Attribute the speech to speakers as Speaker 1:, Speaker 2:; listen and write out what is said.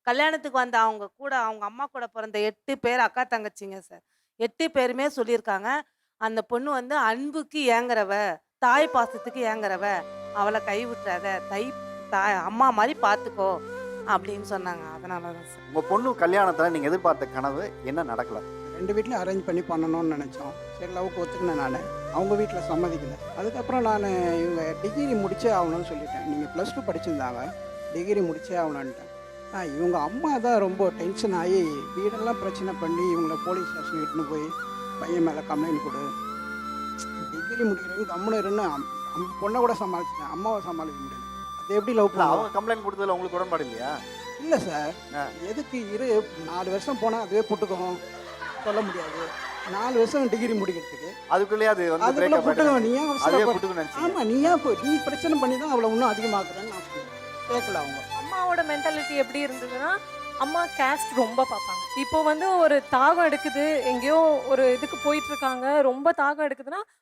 Speaker 1: கல்யாணத்துக்கு வந்த அவங்க கூட அவங்க அம்மா கூட பிறந்த 8 பேர் அக்கா, தங்கச்சிங்க சார். 8 பேருமே சொல்லியிருக்காங்க. அந்த பொண்ணு வந்து அன்புக்கு ஏங்குறவ, தாய் பாசத்துக்கு ஏங்குறவ. அவள கைவிட்றாத. அம்மா மாரி பார்த்துக்கோ அப்படின்னு சொன்னாங்க. அதனால தான் சார்.
Speaker 2: உங்க பொண்ணு கல்யாணத்துல நீங்க எதிர்பார்த்த கனவு என்ன நடக்கல?
Speaker 3: 2 வீட்லயும் அரேஞ்ச் பண்ணி பண்ணணும்னு நினச்சோம். சரி லவ்வுக்கு ஒத்துக்கினேன் நானு. அவங்க வீட்ல சம்மதிக்கல. அதுக்கப்புறம் நானு இவங்க டிகிரி முடிச்சே ஆகணும்னு சொல்லிட்டேன். நீங்க +2 படிச்சிருந்தாங்க. டிகிரி முடிச்சே ஆகணுன்ட்டேன். இவங்க அம்மா தான் ரொம்ப டென்ஷன் ஆகி வீடெல்லாம் பிரச்சனை பண்ணி இவங்கள போலீஸ் ஸ்டேஷன் இட்டுன்னு போய் பையன் மேலே கம்ப்ளைண்ட் கொடு. டிகிரி முடிக்கிறவங்க கம்முன்னு இருன்னு பொண்ணை கூட சமாளிச்சிட்டேன். அம்மாவை சமாளிக்க முடியல. அது எப்படி லவ்
Speaker 2: இல்ல
Speaker 3: பண்ணுவோம்?
Speaker 2: அவங்க கம்ப்ளைண்ட் கொடுத்ததுல உங்களுக்கு உடன்பாடு இல்லையா?
Speaker 3: இல்லை சார்.
Speaker 2: ஆ.
Speaker 3: எதுக்கு 4 வருஷம் போனால் அதுவே புட்டுக்கும் சொல்ல முடியாது. 4 வருஷம் டிகிரி முடிக்கிறதுக்கு
Speaker 2: அதுக்குள்ளேயே அது வந்து
Speaker 3: அதுக்குள்ள
Speaker 2: பிரேக்கப்
Speaker 3: புட்டுக்கும். நீ ஏன்
Speaker 2: அதுவே
Speaker 3: அவசரப்பட?
Speaker 2: புட்டுக்குன்னு நினைச்சீங்க.
Speaker 3: ஆமா, நீ பிரச்சனை பண்ணி தான் அவளை இன்னும் அதிகமாக்குறேன்னு நான் சொன்னேன். கேட்கல அவங்க.
Speaker 4: அம்மாவோட மென்டாலிட்டி எப்படி இருந்ததுன்னா, அம்மா கேஸ்ட் ரொம்ப பார்ப்பாங்க. இப்போ வந்து ஒரு தாகம் எடுக்குது, எங்கேயோ ஒரு இதுக்கு போயிட்டு இருக்காங்க, ரொம்ப தாகம் எடுக்குதுன்னா,